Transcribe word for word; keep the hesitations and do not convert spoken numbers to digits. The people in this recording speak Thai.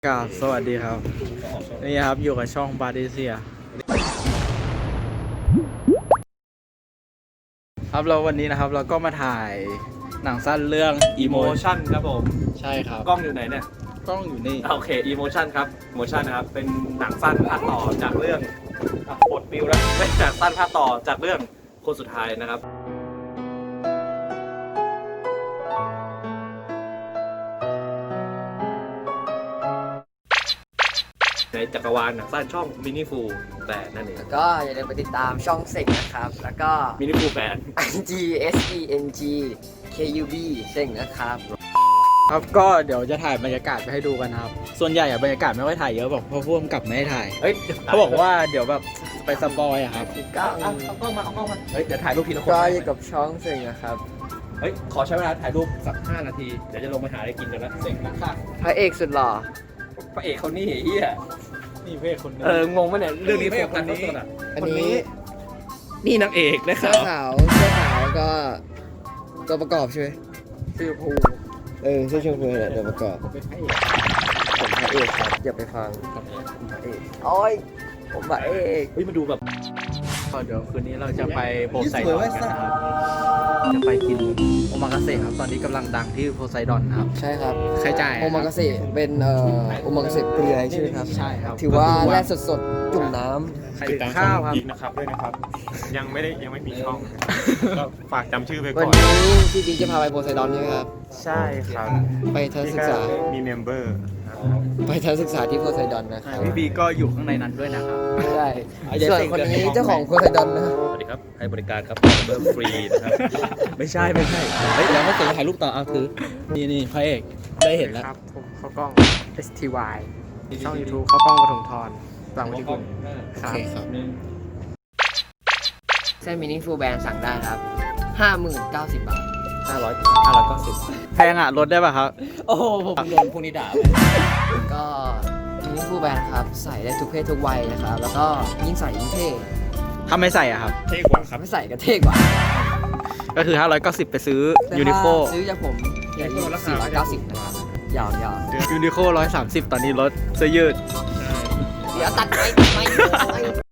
กราบสวัสดีครับนี่ครับอยู่กับช่องบาร์ดิเซียครับเราวันนี้นะครับเราก็มาถ่ายหนังสั้นเรื่อง Emotion ครับผมใช่ครับกล้องอยู่ไหนเนี่ยกล้องอยู่นี่โอเค Emotion ครับ Emotion นะครับเป็นหนังสั้นภาคต่อจากเรื่องอ่ะปลดปิวแล้วเป็นหนังสั้นภาคต่อจากเรื่องคนสุดท้ายนะครับในจักรวาลหนังสั้นช่อง Meaningful แต่นั่นเองก็อย่าลืมไปติดตามช่องเซ็งนะครับ แล้วก็ Meaningful แบน G S E N G K U B เซ็งนะครับครับก็เดี๋ยวจะถ่ายบรรยากาศไปให้ดูกันนะครับส่วนใหญ่อะบรรยากาศไม่ค่อยถ่ายเยอะบอกเพราะพ่วงกับไม่ให้ถ่ายเฮ้ยเขาบอกว่าเดี๋ยวแบบไปสปอยอะครับก็เอาเอากล้องมาเอากล้องมาเฮ้ยเดี๋ยวถ่ายรูปทีละคนก็อยู่กับช่องเซ็งนะครับเฮ้ยขอใช้เวลาถ่ายรูปสักห้านาทีเดี๋ยวจะลงไปหาอะไรกินกันแล้วเซ็งมากค่ะพระเอกสุดหล่อพระเอกเขานี่เฮียนี่เพศคนนี้เอองงปะเนี่ยเรื่องนี้โฟกัสสุดอ่ะอันนี้นี่นางเอกนะคเสื้รัอบ ขาวเสื้อขาวก็ตัวประกอบใช่ไหมชื่อภูเออเสื้อชมพูแหละตัวประกอบเป็นพระเอกผมพระเอกครับอย่าไปฟังผมพระเอกโอ้ยผมพระเอกเฮ้ยมาดูแบบก็เดี๋ยวคืนนี้เราจะไปโพไซดอนกันนะครับจะไปกินโอมากาเสะครับตอนนี้กำลังดังที่โพไซดอนนะครับใช่ครับใครจ่ายอะโอมากาเสะเป็นเอ่อโอมากาเสะเปลือยใช่ไหมครับใช่ครับถือว่าแร่สดๆจุ่มน้ำใครติดข้าวครับอีกนะครับด้วยนะครับ ยังไม่ได้ยังไม่มีช่องก็ฝากจำชื่อไปวัก่นอนนี้พี่บิ๊กจะพาไปโพไซดอนใช่ไหมครับใช่ครับไปทัศนศึกษามีเมมเบอร์ไปทัศนศึกษาที่โพไซดอนนะครับพี่บีก็อยู่ข้างในนั้นด้วยนะครับใช่เอาอย่าส่วนเซ็งคนเกินนี้ไปเจ้าของโพไซดอนนะสวัสดีครับให้บริการครับเบอร์ฟรีนะครับไม่ใช่ไม่ใช่เฮ้ยแล้วก็เสร็จถ่ายรูปต่อเอาถือนี่นี่พระเอกได้เห็นแล้วครับผมเขากล้อง เอส ที วาย ช่อง YouTube เขากล้องปฐมทรหลังวันที่คุณโอเคครับเส้นมินิฟูลแบนสั่งได้ครับ ห้าหมื่นเก้าสิบบาทห้าร้อยห้าร้อยเก้าสิบแพงอ่ะลดได้ป่ะครับโอ้โหผมโดนพวกนี้ด่าก็มินิฟูลแบนครับ ใส่ได้ทุกเพศทุกวัยนะครับ แล้วก็ยิ่งใส่ยิ่งเท่ถ้าไม่ใส่อ่ะครับเท่กว่าครับไม่ใส่ก็เท่กว่าก็คือห้าร้อยเก้าสิบไปซื้อแต่ยูนิโคถ้าซื้อจากผมเพียงสี่ร้อยเก้าสิบนะครับยาวยาวยูนิโคร้อยสามสิบตอนนี้ลดเสื้อยืดเดี๋ยวตัดไปไม่ไม่